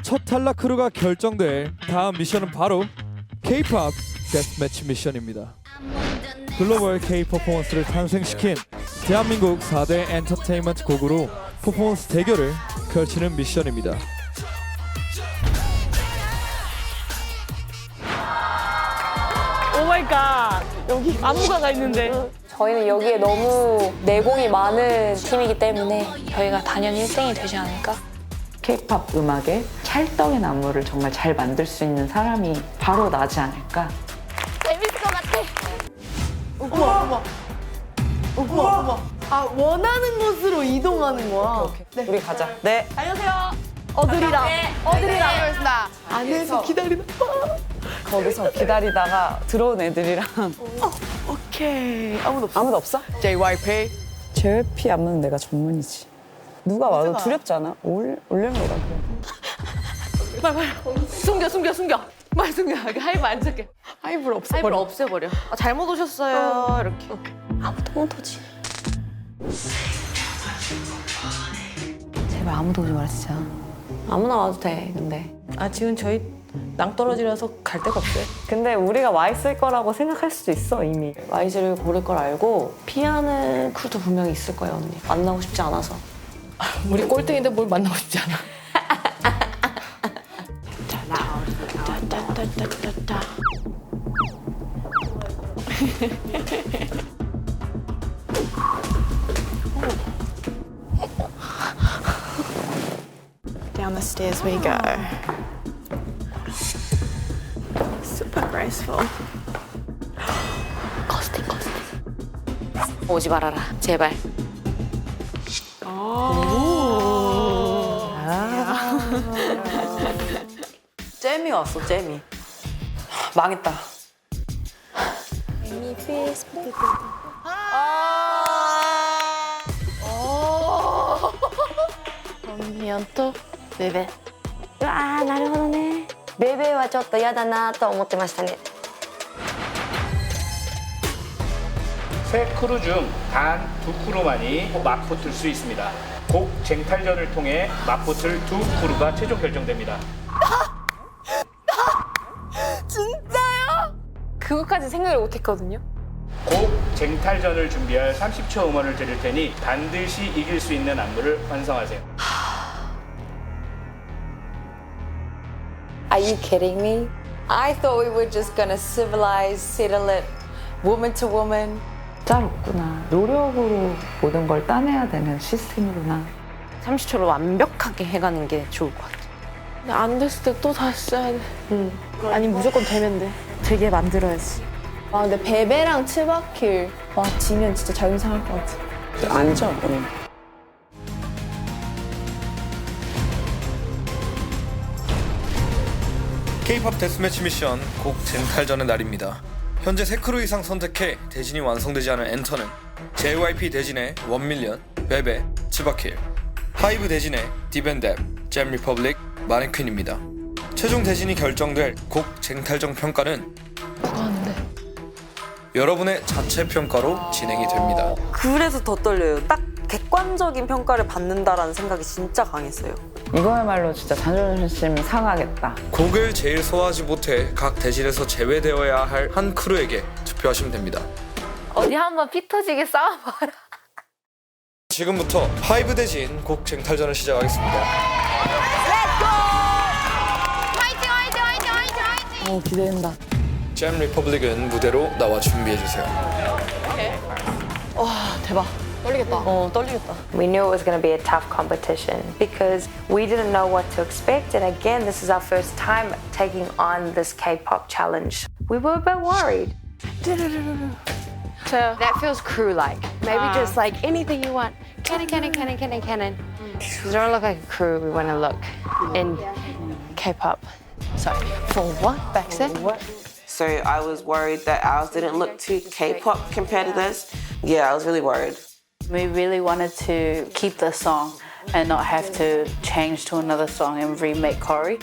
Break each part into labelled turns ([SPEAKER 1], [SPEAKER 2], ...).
[SPEAKER 1] 첫 탈락 크루가 결정될 다음 미션은 바로 K-pop 데스매치 미션입니다. 글로벌 K-퍼포먼스를 탄생시킨 대한민국 4대 엔터테인먼트 곡으로 퍼포먼스 대결을 펼치는 미션입니다.
[SPEAKER 2] 오마이갓, 여기 안무가가 있는데.
[SPEAKER 3] 저희는 여기에 너무 내공이 많은 팀이기 때문에 저희가 단연히 1등이 되지 않을까?
[SPEAKER 4] K-pop 음악의 찰떡인 안무를 정말 잘 만들 수 있는 사람이 바로 나지 않을까.
[SPEAKER 3] 재밌을 것 같아.
[SPEAKER 2] 어머. 아, 원하는 곳으로 이동하는 거야.
[SPEAKER 4] 네. 우리 가자. 네.
[SPEAKER 2] 어들이랑.
[SPEAKER 5] 알겠습니다.
[SPEAKER 2] 안에서 기다리는.
[SPEAKER 4] 거기서 기다리다가 들어온 애들이랑
[SPEAKER 2] 오케이. 아무도 없어.
[SPEAKER 4] 아무도 없어?
[SPEAKER 5] JYP.
[SPEAKER 4] JYP 안무는 내가 전문이지. 누가 와도 두렵지 않아? 올려놓으라 그래.
[SPEAKER 2] 빨리. 숨겨. 빨리 숨겨. 하이브 안 잡게. 하이브를 없애버려. 아, 잘못 오셨어요. 이렇게.
[SPEAKER 3] 아무도 못 오지. 제발 아무도 오지 마라 진짜. 아무나 와도 돼 근데.
[SPEAKER 2] 아, 지금 저희 낭떠러지라서 갈 데가 없어요.
[SPEAKER 4] 근데 우리가 와 있을 거라고 생각할 수도 있어 이미.
[SPEAKER 3] YG를 고를 걸 알고 피하는 크루도 분명히 있을 거예요 언니. 만나고 싶지 않아서.
[SPEAKER 2] 우리 꼴등인데 뭘 만나고 싶지 않아.
[SPEAKER 5] Down the stairs we go. Super graceful.
[SPEAKER 3] 커스팅. 오지 말아라 제발.
[SPEAKER 4] 잼이 왔어 잼이. 망했다.
[SPEAKER 5] 언니연 또 베베.
[SPEAKER 3] うわーなるほどね。ベベはちょっと嫌だなと思ってましたね。
[SPEAKER 6] 세 크루 중 단 두 크루만이 맞붙을 수 있습니다. 곡 쟁탈전을 통해 맞붙을 두 크루가 최종 결정됩니다.
[SPEAKER 3] 그것까지 생각을 못했거든요.
[SPEAKER 6] 곡 쟁탈전을 준비할 30초 음원을 드릴 테니 반드시 이길 수 있는 안무를 완성하세요.
[SPEAKER 3] Are you kidding me? I thought we were just gonna civilize, sit-a-lit, woman to woman.
[SPEAKER 4] 짜롭구나. 노력으로 모든 걸 따내야 되는 시스템이구나.
[SPEAKER 3] 30초로 완벽하게 해가는 게 좋을 것 같아.
[SPEAKER 2] 근데 안 됐을 때 또 다시 써야 돼. 아니, 무조건 되면 돼. 되게 만들어야지.
[SPEAKER 7] 와 근데 베베랑 츠바킬 와 지면 진짜 자존심 상할 것 같아.
[SPEAKER 4] 앉아 오늘.
[SPEAKER 1] K-pop 데스매치 미션 곡 쟁탈전의 날입니다. 현재 3크루 이상 선택해 대진이 완성되지 않은 엔터는 JYP 대진의 1밀리언, 베베, 츠바킬, 하이브 대진의 디밴뎁, 잼리퍼블릭, 마네퀸입니다. 최종 대진이 결정될 곡 쟁탈전 평가는 여러분의 자체 평가로 진행이 됩니다.
[SPEAKER 8] 그래서 더 떨려요. 딱 객관적인 평가를 받는다라는 생각이 진짜 강했어요.
[SPEAKER 4] 이거야말로 진짜 자존심 상하겠다.
[SPEAKER 1] 곡을 제일 소화하지 못해 각 대진에서 제외되어야 할 한 크루에게 투표하시면 됩니다.
[SPEAKER 3] 어디 한번 피 터지게 싸워봐라.
[SPEAKER 1] 지금부터 하이브 대진 곡 쟁탈전을 시작하겠습니다.
[SPEAKER 4] 기대된다.
[SPEAKER 1] 잼 리퍼블릭은 무대로 나와 준비해주세요.
[SPEAKER 2] 대박. 떨리겠다.
[SPEAKER 4] 떨리겠다.
[SPEAKER 9] We knew it was going to be a tough competition because we didn't know what to expect, and again, this is our first time taking on this K-pop challenge. We were a bit worried. That feels crew-like. Maybe just like anything you want. Cannon. We don't look like a crew we want to look in K-pop. Sorry, for what? Back then?
[SPEAKER 8] So I was worried that ours didn't look too K-pop compared to this. Yeah, I was really worried.
[SPEAKER 10] We really wanted to keep the song and not have to change to another song and remake Cory.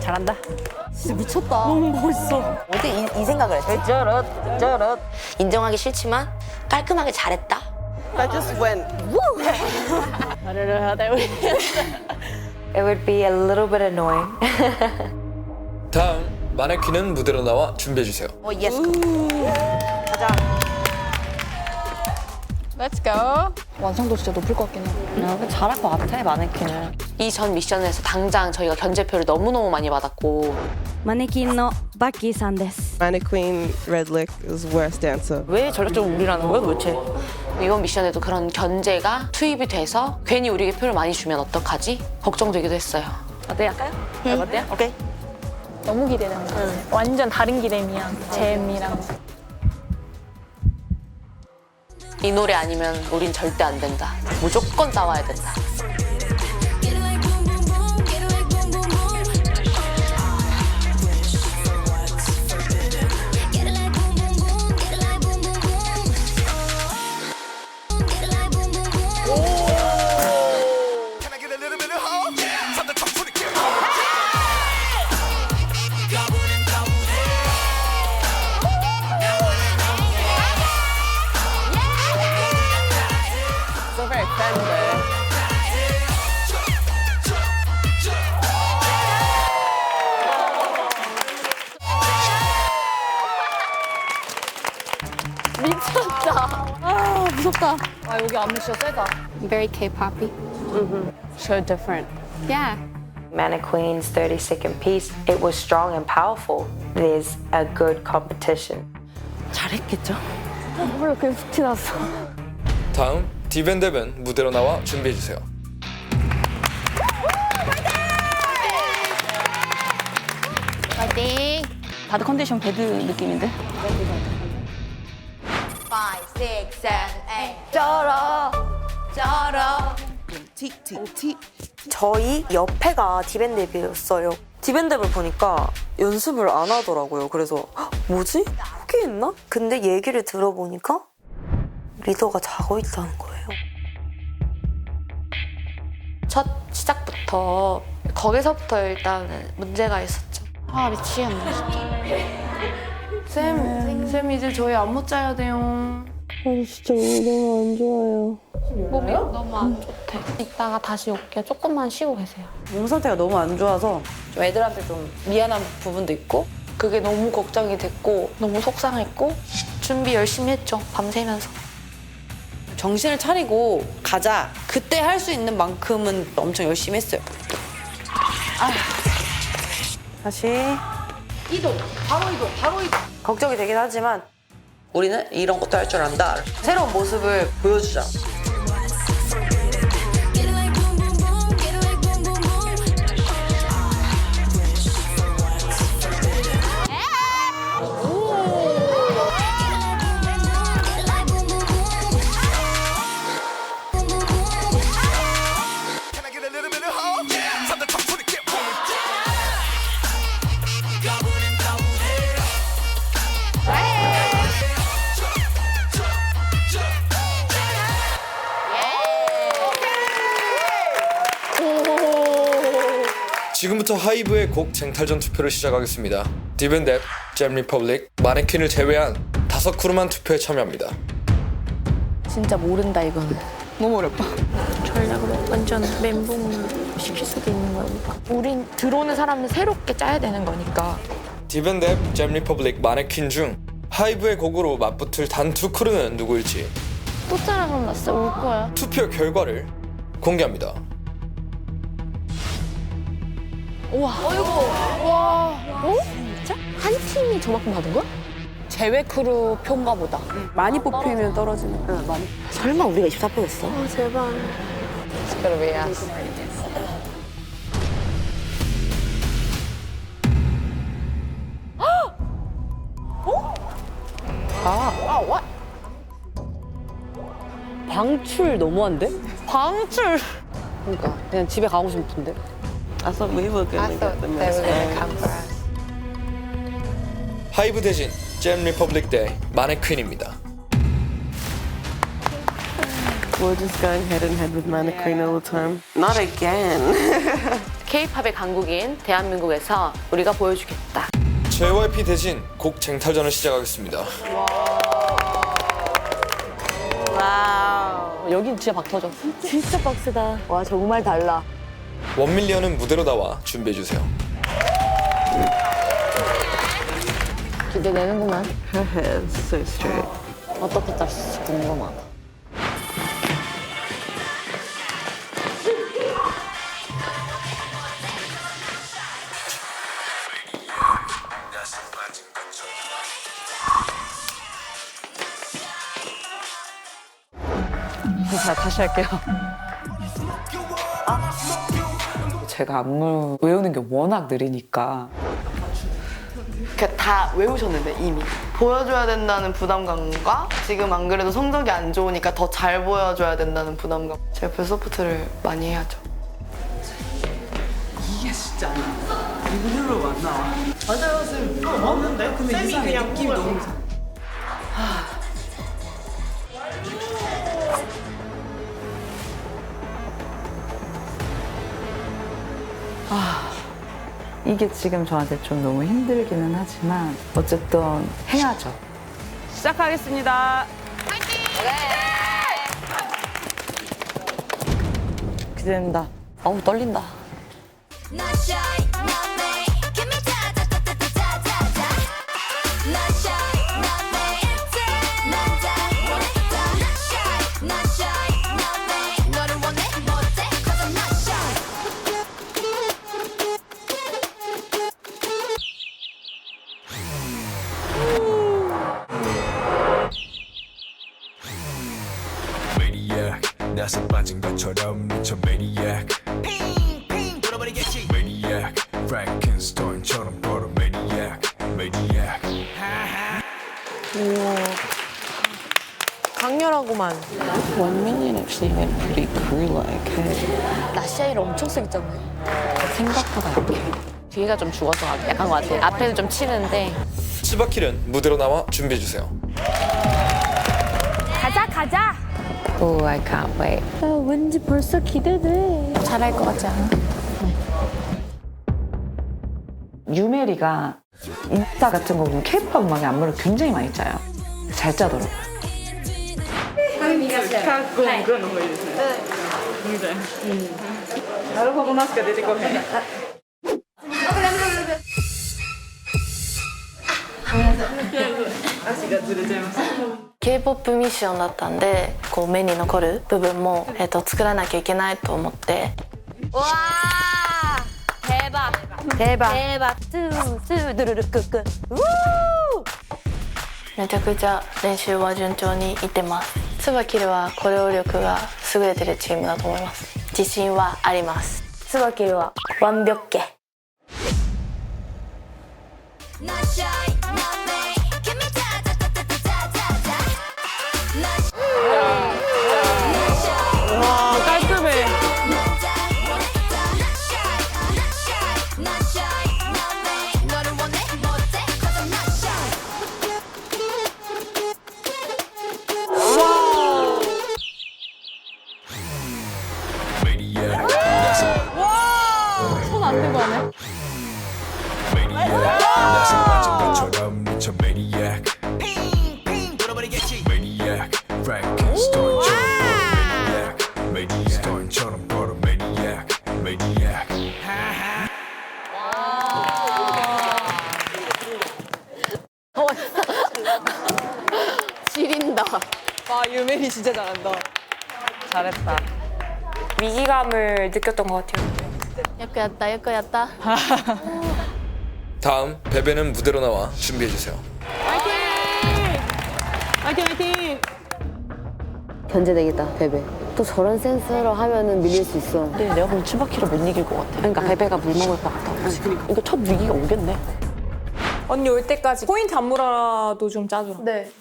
[SPEAKER 4] 잘한다.
[SPEAKER 2] 진짜 미쳤다. 너무 멋있어.
[SPEAKER 11] 어떻게 이 생각을 했지? 저럿. 인정하기 싫지만 깔끔하게 잘했다.
[SPEAKER 5] I just went.
[SPEAKER 10] I don't know how that would.
[SPEAKER 3] It would be a little bit annoying.
[SPEAKER 1] 다음 마네킹은 무대로 나와 준비해 주세요.
[SPEAKER 11] 예스.
[SPEAKER 5] Let's go.
[SPEAKER 7] 완성도 진짜 높을 것 같긴 해.
[SPEAKER 2] 잘할 것 같아, 마네킹은.
[SPEAKER 9] 이 전 미션에서 당장 저희가 견제표를 너무너무 많이 받았고
[SPEAKER 12] 마네킹의 바키さんです
[SPEAKER 13] Mannequin Red Lick is worst dancer.
[SPEAKER 2] 왜 전략적으로 우리라는 거야, 도대체?
[SPEAKER 9] 이번 미션에도 그런 견제가 투입이 돼서 괜히 우리에게 표를 많이 주면 어떡하지? 걱정되기도 했어요.
[SPEAKER 2] 어때, 할까요? 어때요? 오케이.
[SPEAKER 7] 너무 기대된다. 완전 다른 기대미야. 잼이랑.
[SPEAKER 9] 이 노래 아니면 우린 절대 안 된다. 무조건 따와야 된다.
[SPEAKER 5] So very friendly.
[SPEAKER 7] 아, 무섭다. 아, 여기 안무 진짜 세다.
[SPEAKER 5] Very K-poppy.
[SPEAKER 10] So different.
[SPEAKER 5] Yeah.
[SPEAKER 3] Mannequin's 30-second piece, it was strong and powerful. It is a good competition.
[SPEAKER 2] 잘했겠죠?
[SPEAKER 7] 몰라, 그냥 훅 티났어.
[SPEAKER 1] 다음 디밴드밴 무대로 나와 준비해 주세요.
[SPEAKER 5] 파이팅.
[SPEAKER 7] 바드 컨디션 배드 느낌인데?
[SPEAKER 11] 5, 6, 7, 8.
[SPEAKER 2] 쩔어.
[SPEAKER 11] 저희 옆에가 디밴드였어요. 디밴드를 보니까 연습을 안 하더라고요. 그래서 헉, 뭐지? 포기했나? 근데 얘기를 들어보니까 리더가 자고 있다는 거예요.
[SPEAKER 9] 첫 시작부터 거기서부터 일단 문제가 있었죠.
[SPEAKER 5] 아, 미치겠네, 진짜. 쌤 이제 저희 안무 짜야 돼요.
[SPEAKER 7] 진짜 너무 안 좋아요.
[SPEAKER 9] 몸이 너무 안 좋대. 이따가 다시 올게요. 조금만 쉬고 계세요.
[SPEAKER 4] 몸 상태가 너무 안 좋아서 좀 애들한테 좀 미안한 부분도 있고
[SPEAKER 9] 그게 너무 걱정이 됐고 너무 속상했고 준비 열심히 했죠. 밤새면서.
[SPEAKER 4] 정신을 차리고 가자. 그때 할 수 있는 만큼은 엄청 열심히 했어요. 다시
[SPEAKER 11] 이동. 걱정이 되긴 하지만 우리는 이런 것도 할 줄 안다. 새로운 모습을 보여주자.
[SPEAKER 1] 지금부터 하이브의 곡 쟁탈전 투표를 시작하겠습니다. 디밴드, 잼 리퍼블릭, 마네킹을 제외한 5크루만 투표에 참여합니다.
[SPEAKER 2] 진짜 모른다, 이거는.
[SPEAKER 7] 너무 어렵다.
[SPEAKER 5] 전략으로 완전 멘붕 시킬 수도 있는 거니까. 우린 들어오는 사람은 새롭게 짜야 되는 거니까.
[SPEAKER 1] 디밴드, 잼 리퍼블릭, 마네킹 중 하이브의 곡으로 맞붙을 단 2크루는 누구일지
[SPEAKER 5] 또 짜라 그럼 나 진짜 울 거야.
[SPEAKER 1] 투표 결과를 공개합니다.
[SPEAKER 5] 한 팀이 저만큼 받은 거야?
[SPEAKER 2] 제외 크루 표인가 보다.
[SPEAKER 4] 많이 뽑히면 떨어지는 거. 많이.
[SPEAKER 2] 설마 우리가 24표였어?
[SPEAKER 5] 아, 제발.
[SPEAKER 4] 방출 너무한데?
[SPEAKER 2] 방출!
[SPEAKER 4] 그러니까 그냥 집에 가고 싶은데.
[SPEAKER 8] I thought they were gonna come for us.
[SPEAKER 1] 하이브 대신 잼 리퍼블릭 대 마네퀸입니다.
[SPEAKER 13] We're just going head and head with Mannequin all the time.
[SPEAKER 8] Not again.
[SPEAKER 2] K-팝의 강국인 대한민국에서 우리가 보여주겠다.
[SPEAKER 1] JYP 대신 곡 쟁탈전을 시작하겠습니다.
[SPEAKER 2] 와우. 여긴 진짜 박 터져. 진짜 빡세다. 와 정말 달라.
[SPEAKER 1] 원밀리언은 무대로 나와 준비해주세요.
[SPEAKER 2] 기대되는구만.
[SPEAKER 11] Her hair is so straight.
[SPEAKER 2] 어떻게 짰을지 궁금하다.
[SPEAKER 4] 자, 다시 할게요. 제가 안무 외우는 게 워낙 느리니까
[SPEAKER 7] 그러니까 다 외우셨는데 이미 보여줘야 된다는 부담감과 지금 안 그래도 성적이 안 좋으니까 더 잘 보여줘야 된다는 부담감. 제가 그 서포트를 많이 해야죠.
[SPEAKER 4] 이게 진짜 안 나와. 일부러 안 나와. 맞아요, 쌤. 맞는데? 근데 이상해. 느낌이 너무 이상해. 이게 지금 저한테 좀 너무 힘들기는 하지만 어쨌든 해야죠. 시작하겠습니다. 기대된다. 어우 떨린다.
[SPEAKER 14] 나서 빠진 것처럼 미쳐 maniac 핑핑 돌아버리겠지 maniac Frankenstein처럼 걸어 maniac maniac
[SPEAKER 2] 우와. 강렬하구만.
[SPEAKER 4] 원민이는 actually went pretty crew-like.
[SPEAKER 2] 나시아이를 엄청 세게 짰네. 생각보다 약해. 뒤가 좀 죽어서 약한 것 같아. 앞에는 좀 치는데.
[SPEAKER 1] 치바킬은 무대로 나와 준비해주세요.
[SPEAKER 5] 가자 가자.
[SPEAKER 3] Oh, I can't wait.
[SPEAKER 5] 왠지 벌써 기대돼. 잘할 것 같지 않아?
[SPEAKER 4] 유메리가 인스타 같은 거 보면 K-pop 음악에 안무를 굉장히 많이 짜요. 잘 짜더라고요.
[SPEAKER 7] K-POP ミッションだったんでこう目に残る部分も、作らなきゃいけないと思って。
[SPEAKER 2] 와 대박 대박 대박 뚜뚜 두루루 끄끄 우
[SPEAKER 7] めちゃくちゃ練習は順調にいってます。ツバキルはコレオ力が優れてるチームだと思います。自信はあります。ツバキルは완벽해。
[SPEAKER 2] 와 깔끔해.
[SPEAKER 14] maniac
[SPEAKER 2] 손 안 대고 하네.
[SPEAKER 14] maniac 나서 빠진 것처럼 미쳐 maniac 핑핑 돌아버리겠지 maniac Frankenstein처럼 걸어 maniac Frankenstein처럼 걸어 maniac maniac
[SPEAKER 2] 지린다.
[SPEAKER 4] 와, 유메리 진짜 잘한다. 잘했다.
[SPEAKER 3] 위기감을 느꼈던 것 같아요.
[SPEAKER 2] 예뻐였다 예뻐였다.
[SPEAKER 1] 다음 베베는 무대로 나와 준비해주세요.
[SPEAKER 2] 화이팅 화이팅.
[SPEAKER 11] 견제되겠다, 베베. 또 저런 센스로 하면은 밀릴 수 있어.
[SPEAKER 2] 근데 내가 보면 치바키를 못 이길 것 같아.
[SPEAKER 11] 그러니까 베베가 물 먹을 것 같아.
[SPEAKER 2] 그러니까 첫 위기가 오겠네.
[SPEAKER 5] 언니 올 때까지 포인트 안무라도 좀 짜줘라.
[SPEAKER 7] 네.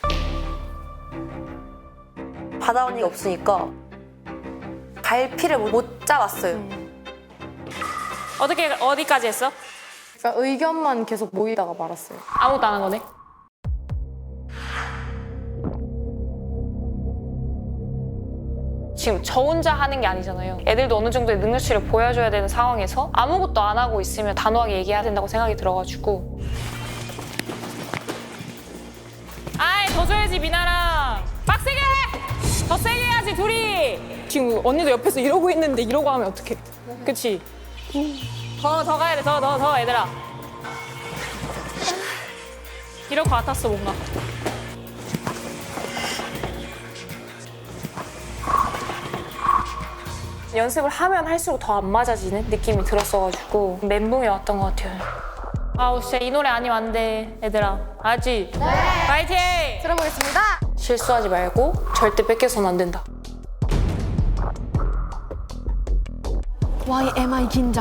[SPEAKER 11] 바다 언니가 없으니까 갈피를 못 잡았어요.
[SPEAKER 5] 어디까지 했어?
[SPEAKER 7] 그러니까 의견만 계속 모이다가 말았어요.
[SPEAKER 5] 아무것도 안 한 거네. 지금 저 혼자 하는 게 아니잖아요. 애들도 어느 정도의 능력치를 보여줘야 되는 상황에서 아무것도 안 하고 있으면 단호하게 얘기해야 된다고 생각이 들어가지고. 아이, 더 줘야지, 미나랑. 빡세게 해! 더 세게 해야지, 둘이!
[SPEAKER 15] 지금 언니도 옆에서 이러고 있는데 이러고 하면 어떡해. 그치?
[SPEAKER 5] 더 가야 돼, 더, 얘들아. 이럴 것 같았어, 뭔가. 연습을 하면 할수록 더 안 맞아지는 느낌이 들었어가지고 멘붕이 왔던 것 같아요. 아우, 진짜 이 노래 아니면 안 돼, 얘들아. 알지? 네! 파이팅!
[SPEAKER 2] 들어보겠습니다.
[SPEAKER 5] 실수하지 말고 절대 뺏겨서는 안 된다.
[SPEAKER 2] Why am I 긴장?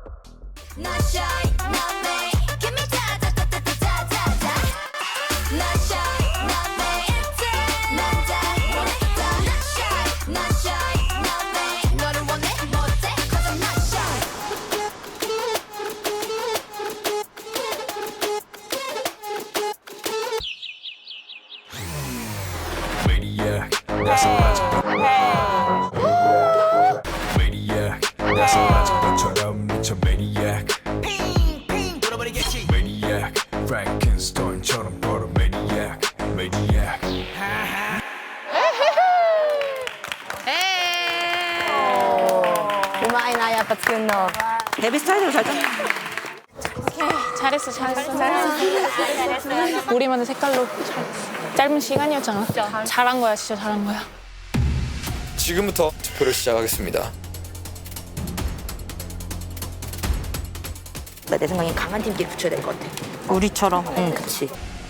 [SPEAKER 14] Maniac, that's a magic. Maniac, that's a magic. 너처럼 미쳐 maniac. Maniac, Frankenstein처럼 걸어 maniac. Maniac.
[SPEAKER 11] 우마이나 야빠 튜너.
[SPEAKER 4] 데뷔 스타일대로 잘 짰네.
[SPEAKER 5] 잘했어. 우리만의 색깔로 잘했어. 짧은 시간이었잖아. 잘한 거야, 진짜 잘한 거야.
[SPEAKER 1] 지금부터 투표를 시작하겠습니다.
[SPEAKER 11] 내 생각엔 강한 팀끼리 붙여야 될 것 같아. 우리처럼. 응, 그치.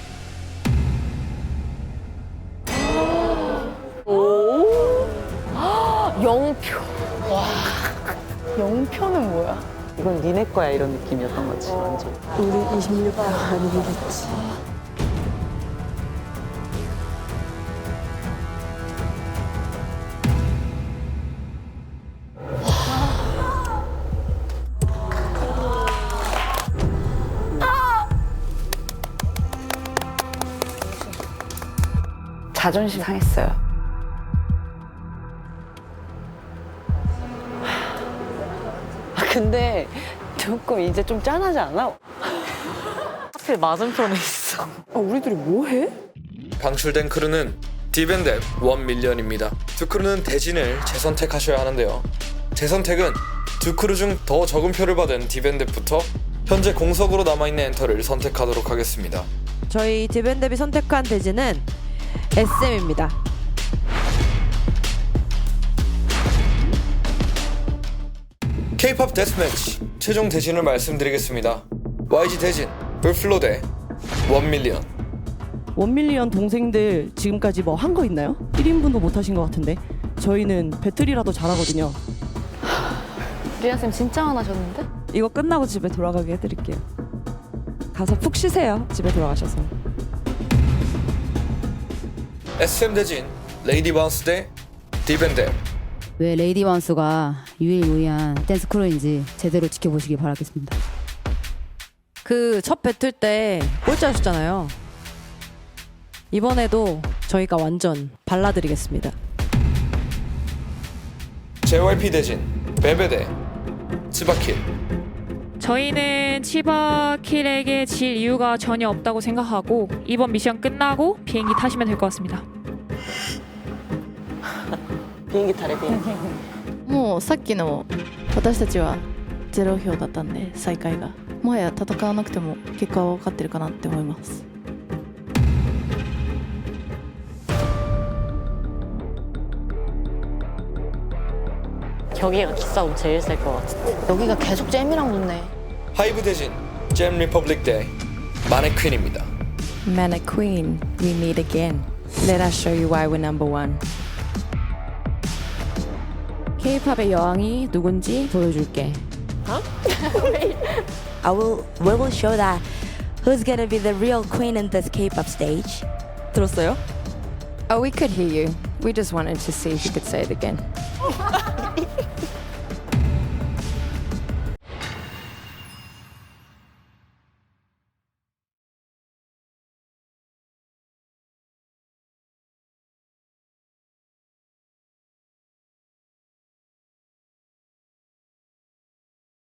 [SPEAKER 2] 영표. 와. 영표는 뭐야?
[SPEAKER 4] 이건 니네 거야 이런 느낌이었던 거지 완전. 우리 26번 아니겠지. 자존심 상했어요. 근데 조금 이제 좀 짠하지 않아? 하필 맞은편에 있어. 우리들이 뭐 해?
[SPEAKER 1] 방출된 크루는 디밴드 1밀리언입니다. 두 크루는 대진을 재선택하셔야 하는데요. 재선택은 두 크루 중 더 적은 표를 받은 디밴드부터 현재 공석으로 남아있는 엔터를 선택하도록 하겠습니다.
[SPEAKER 13] 저희 디밴드비 선택한 대지는 SM입니다.
[SPEAKER 1] K-POP 데스매치 최종 대진을 말씀드리겠습니다. YG 대진 울플로 대 1밀리언.
[SPEAKER 16] 1밀리언 동생들 지금까지 뭐 한 거 있나요? 1인분도 못 하신 것 같은데 저희는 배틀이라도 잘하거든요.
[SPEAKER 2] 리아쌤 진짜 화나셨는데?
[SPEAKER 16] 이거 끝나고 집에 돌아가게 해드릴게요. 가서 푹 쉬세요. 집에 돌아가셔서.
[SPEAKER 1] SM 대진 레이디 바운스 대 디밴드.
[SPEAKER 17] 왜 레이디 바운스가 유일무이한 댄스 크루인지 제대로 지켜보시기 바라겠습니다.
[SPEAKER 13] 그 첫 배틀 때 꼴찌하셨잖아요. 이번에도 저희가 완전 발라드리겠습니다.
[SPEAKER 1] JYP 대진 베베 대 츠바킬.
[SPEAKER 5] 저희는 치바킬에게 질 이유가 전혀 없다고 생각하고 이번 미션 끝나고 비행기 타시면 될 것 같습니다.
[SPEAKER 4] 비행기 타래 비행기.
[SPEAKER 10] もうさっきの私たちは0票だったんで最下位がもはや戦わなくても結果は分かってるかなって思います。
[SPEAKER 11] 여기가 기싸움 제일 셀 것 같은데.
[SPEAKER 2] 여기가 계속 잼이랑 붙네.
[SPEAKER 1] 하이브 대진 잼 리퍼블릭 대 마네퀸입니다.
[SPEAKER 3] Mannequin, we meet again. Let us show you why we're number one.
[SPEAKER 17] K-팝의 여왕이 누군지 보여줄게.
[SPEAKER 12] We will show that who's gonna be the real queen in this K-pop stage.
[SPEAKER 16] 들었어요?
[SPEAKER 3] Oh, we could hear you. We just wanted to see if you could say it again.